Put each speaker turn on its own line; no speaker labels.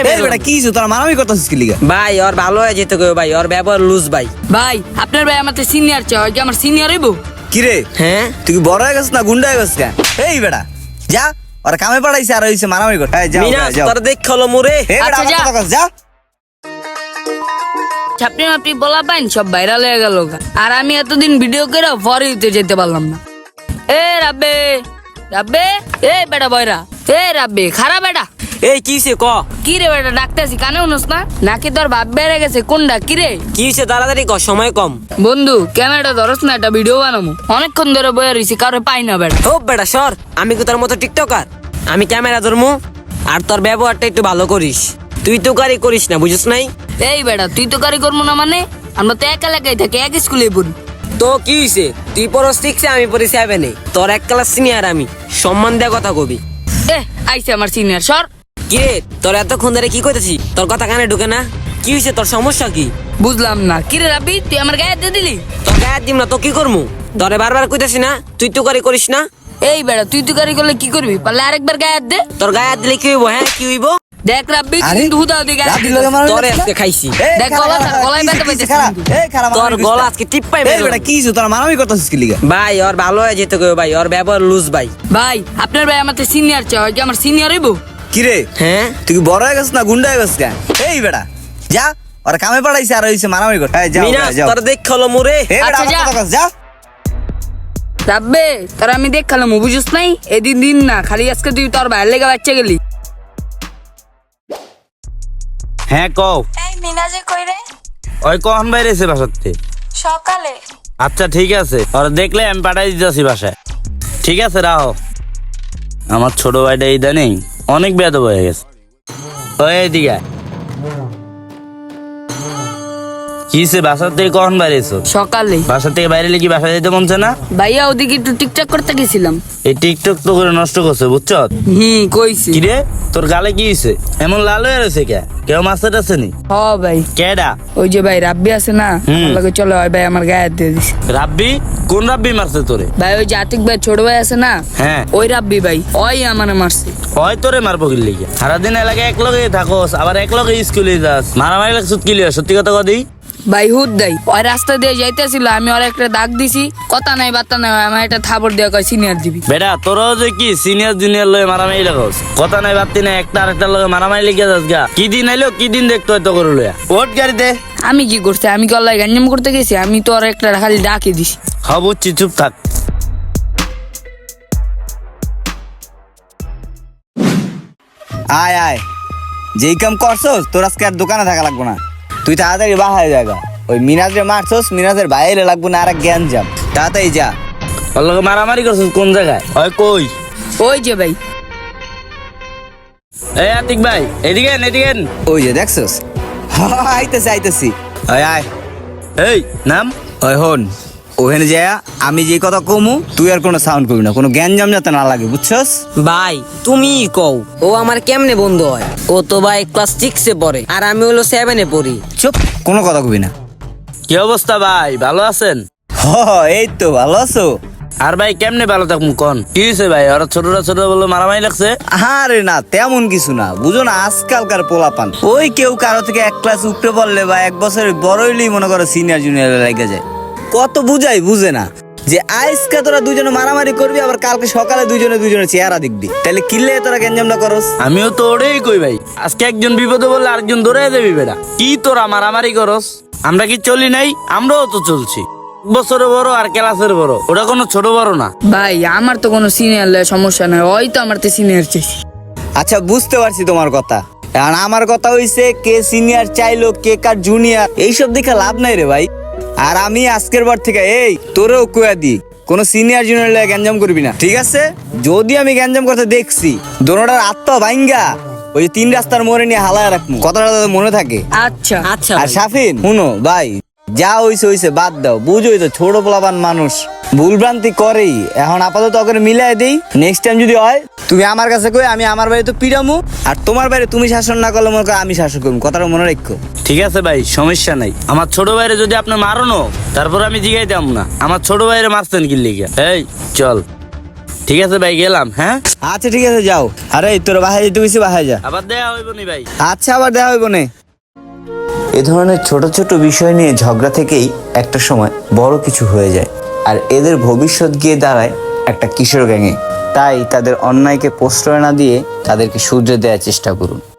বেটা কি তোরা মারামারি করতেছিস কি লিগা?
ভাই ওর ভালো হয়ে যেতে কই ভাই, ওর ব্যবহার লুজ ভাই।
ভাই আপনার ভাই আমার সিনিয়র চাই, কি আমার সিনিয়র হইব?
কি রে
হ্যাঁ
তুই কি বড় হয়ে গেছিস না গুন্ডা হয়ে গেছিস? এই বেটা যা, ওরা কামে পাঠাইছে আর হইছে মারামারি কর। এই যাও
মিনাস
যাও।
তোর দেখ হলো মোরে।
এই বেটা
আচ্ছা,
আমার
যা।
কথা কস, যা।
ছাপনি মাপনি বলা পাইন সব ভাইরাল হয়ে গেল, আর আমি এতদিন ভিডিও করে পরে দিতে যেতে পারলাম না। এ রাব্বে রাব্বে, এ বেটা বয়রা, এ রাব্বে খারাপ বেটা।
এই কিছে ক,
কি রে বেটা ডাকতেছি কানে উনস না নাকি তোর ভাব বেড়ে গেছে? কোনটা কি রে?
কিছে তাড়াতাড়ি ক, সময় কম।
বন্ধু ক্যামেরাটা ধরস না, একটা ভিডিও বানাবো। অনেকক্ষণ ধরে বয়ে রয়েছি, কারো পাই না বেটা।
ও বেটা সর, আমি কি তোর মতো টিকটকার? আমি ক্যামেরা ধরমু আর তোর ব্যবহারটা একটু ভালো করিস। তুই তো গাড়ি করিস না, বুঝিস নাই?
এই বেটা তুই তো গাড়ি করবো না মানে? আমরা তো এক এলাকায় থাকি, এক স্কুলে পড়ি।
তো কি হইছে, তুই পড়স 6-এ, আমি পড়ি 7-এ। তোর এক ক্লাস সিনিয়র আমি, সম্মান দেয়া কথা কবি।
এ আইছে আমার সিনিয়র, সর।
কি রে তোর এতক্ষণ ধরে কি কইতেছি, তোর কথা কানে ঢুকে না? কি হইছে, তোর সমস্যা কি?
বুঝলাম না। কি রে রাব্বি, তুই আমার গায়ে দিয়ে দিলি?
তোর গায়ে দিম না তো কি করমু? তোরে বারবার কইতেছি না তুই তো গাড়ি করিস না।
এই বেটা তুই তো গাড়ি করলে কি করবি? পারলে আরেকবার গায়ে হাত দে।
তোর গায়ে হাত দিলে কি হইব? হ্যাঁ কি হইব?
দেখ রাব্বি তুই
আরে,
কিন্তু হুদাও দিয়ে গায়ে হাত
রাব্বি
দিলি।
লগে মারামারি
তোরে
করছিস না?
আজকে খাইছি।
এই
দেখ,
খারাপ,
গলা
খারাপ,
গলায়
কি
ব্যথা
হইছে,
পাইতেছিস
খারাপ।
কিন্তু।
এই খারাপ
তোর
মারামারি
গলা
করিস না।
আজকে টিপ্পাই
এই বেটা কি তোরা মারামারি করতেছিস কি লিগা?
ভাই ওর ভালো হয়ে যেতে কই ভাই, ওর ব্যবহার লুজ ভাই।
ভাই আপনার ভাই আমার সিনিয়র চাই, কি আমার সিনিয়র হইব?
কি রে
হ্যাঁ
তুই কি বড় হয়ে গেছিস না গুন্ডা হয়ে গেছিস? এই বেটা যা, ওরা কামে পাঠাইছে আর হইছে মারামারি কর। এই যাও
মিনাস
যাও।
তোর দেখ হলো মোরে।
এই বেটা
আচ্ছা,
আমার
যা।
কথা কস, যা।
রাব্বে তোর আমি দেখালাম, বুঝিস নাই? এদিন দিন না খালি আজকে তুই তোর ভাইয়ের লেগে বাচ্চা গেলি।
হ্যাঁ কও।
এই মিনাজে কই রে?
ওই কখন বাইরেছে বাসাতে?
সকালে।
আচ্ছা ঠিক আছে, ওরা দেখলে আমি পাঠাই দিতেছি বাসায়। ঠিক আছে রাহো। আমার ছোট ভাইটা ইদানিং অনেক বেয়াদব হয়ে গেছে। ওই এদিকে আয়। কিসে বাসা থেকে কখন বাইরেছো?
সকালে।
বাসা থেকে বাইরে কি বাসায় যেতে মনছে না?
ভাইয়া ওদিকে একটু টিকটক করতে গেছিলাম।
এই টিকটক তো করে নষ্ট করছে বুঝছো?
কইছি।
কিরে তোর গালে কি হয়েছে? এমন লাল হয়ে রয়েছে কে? কেউ মাস্টার আছে নি?
হ ভাই,
কেডা?
ওই যে ভাই রাব্বি আছে না, আমার লগে চলো, ওই ভাই আমার গায়ে হাত দিয়ে দিছে।
রাব্বি? কোন রাব্বি মারছে তোরে?
ভাই ওই যে আতিক ভাই ছোট ভাই আছে না,
হ্যাঁ
ওই রাব্বি ভাই, ওই আমারে মারছে।
হয় তোরে মারবো কি লিগে? সারাদিন এলাকায় এক লগে থাকোস, আবার এক লগে স্কুলে যাস, মারামারি লাগছ কি লিগে? সত্যি কথা কদি?
ভাই হুদ দেয়, ওই রাস্তা দিয়ে যাইতেছিল, আমি ওর একটা দাগ দিছি, কথা নাই বার্তা নাই, আমার একটা থাপড় দেওয়া কয় সিনিয়র দিবি।
বেটা তোরাও যে কি সিনিয়র জুনিয়র লয়ে মারামারি লাগোস, কথা নাই বাত্তি নাই, একটা আরেকটার লগে মারামারি লেগে যাস গা। কি দিন আইলো কি দিন দেখতে হয়তো করে লয়া ওট গাড়িতে।
আমি কি করছি? আমি কি অল্লাহ গাঞ্জাম করতে গেছি? আমি তো ওর একটা খালি ডাকে দিছি।
হ্যাঁ বুঝছি, চুপ থাক।
আয় আয়, যেই কাম করছস তোর আজকে আর দোকানে থাকা লাগবো না। তুই তাড়াতাড়ি বাহায় জায়গা। ওই মিনাজের মারছস, মিনাজের বাইরে লাগবো না আর এক জ্ঞান যাম। তাড়াতাড়ি যা।
ওর লগে মারামারি করছিস কোন জায়গায়? ওই কই?
ওই যে ভাই।
এই আতিক ভাই এদিকে আন, এদিকে আন।
ওই যে দেখছস, আইতেছি আইতেছি। ওই আয়।
এই নাম।
ওই হন, ওখানে যা, আমি যে কথা কমু তুই আর কোনো সাউন্ড করবি না, কোনো জ্ঞান জাম যাতে না লাগে, বুঝছস?
ভাই তুমি কও, ও আমার কেমনে বন্ধু হয়? ও তো ভাই ক্লাস 6-এ পড়ে আর আমি হলো 7-এ পড়ি।
চুপ, কোনো কথা কবি না।
কি অবস্থা ভাই, ভালো আছেন?
এই তো ভালো আছো?
আর ভাই কেমনে ভালো থাকুন কোন? কি হয়েছে ভাই, ওরা ছোটরা ছোট বলে মারামারি লাগছে?
আরে না তেমন কিছু না, বুঝো না আজকালকার পোলাপান, ওই কেউ কারো থেকে এক ক্লাস উপরে পড়লে বা এক বছরের বড় হইলেই মনে করো সিনিয়র জুনিয়র লেগে যায়। কত বুঝাই বুঝে না যে আজকে তোরা দুজনে মারামারি করবি, আবার কালকে সকালে দুজনে চেহারা দেখবি, তাহলে কিনলে তোরা গ্যাঞ্জামটা করস।
আমিও তো ওটাই কই ভাই, আজকে একজন বিপদে বললে আরেকজন দৌড়ে দেবি বেটা। কি তোরা মারামারি করস? আমরা কি চলি নাই? আমরাও তো চলছি। বছরে বড় আর ক্লাসের বড়, ওটা কোনো ছোট বড় না
ভাই। আমার তো কোনো সিনিয়র সমস্যা নাই, ওই তো আমার তো সিনিয়র চাইছি।
আচ্ছা বুঝতে পারছি তোমার কথা, আর আমার কথা হইছে কে সিনিয়র চাইলো কে কার জুনিয়র, এইসব দেখে লাভ নাই রে ভাই। আর আমি আজকের বার থেকে এই তোরেও কুয়া দি, কোনো সিনিয়র জুনিয়র লাগে গ্যাঞ্জাম করবি না, ঠিক আছে? যদি আমি গ্যাঞ্জাম করতে দেখছি দোনোটার আত্মা ভাঙ্গা ওই 3 রাস্তার মোড়ে নিয়ে হালায় রাখবো, কথাটা যাতে মনে থাকে।
আচ্ছা
আচ্ছা
আর
ভাই।
সাফিন শুনো ভাই, যা হইছে বাদ দাও, বুঝোই তো ছোট পোলাপান মানুষ ভুলভ্রান্তি করেই। এখন আপাতত ওকে মিলাই দেই, নেক্সট টাইম যদি হয় তুমি আমার কাছে কই, আমি আমার বাড়ি তো পিড়ামু, আর তোমার বাড়ি তুমি শাসন না করলে মনে করো আমি শাসন করবো, কথাটা মনে রাখো।
ঠিক আছে ভাই, সমস্যা নাই। আমার ছোট ভাইরে যদি আপনি মারনো, তারপর আমি জিগাইতাম না আমার ছোট ভাইরে মারছেন কি লিগে। এই চল। ঠিক আছে ভাই, গেলাম। হ্যাঁ,
আচ্ছা ঠিক আছে যাও। আরে তোর বাসায় যেতে গেছি, বাসায় যা।
আবার দেখা হইব নি ভাই।
আচ্ছা আবার দেখা হইব নে। এ ধরনের ছোট ছোট বিষয় নিয়ে ঝগড়া থেকেই একটা সময় বড় কিছু হয়ে যায়, আর এদের ভবিষ্যৎ গিয়ে দাঁড়ায় একটা কিশোর গ্যাংয়ে। তাই তাদের অন্যায়কে প্রশ্রয় না দিয়ে তাদেরকে শুধরে দেওয়ার চেষ্টা করুন।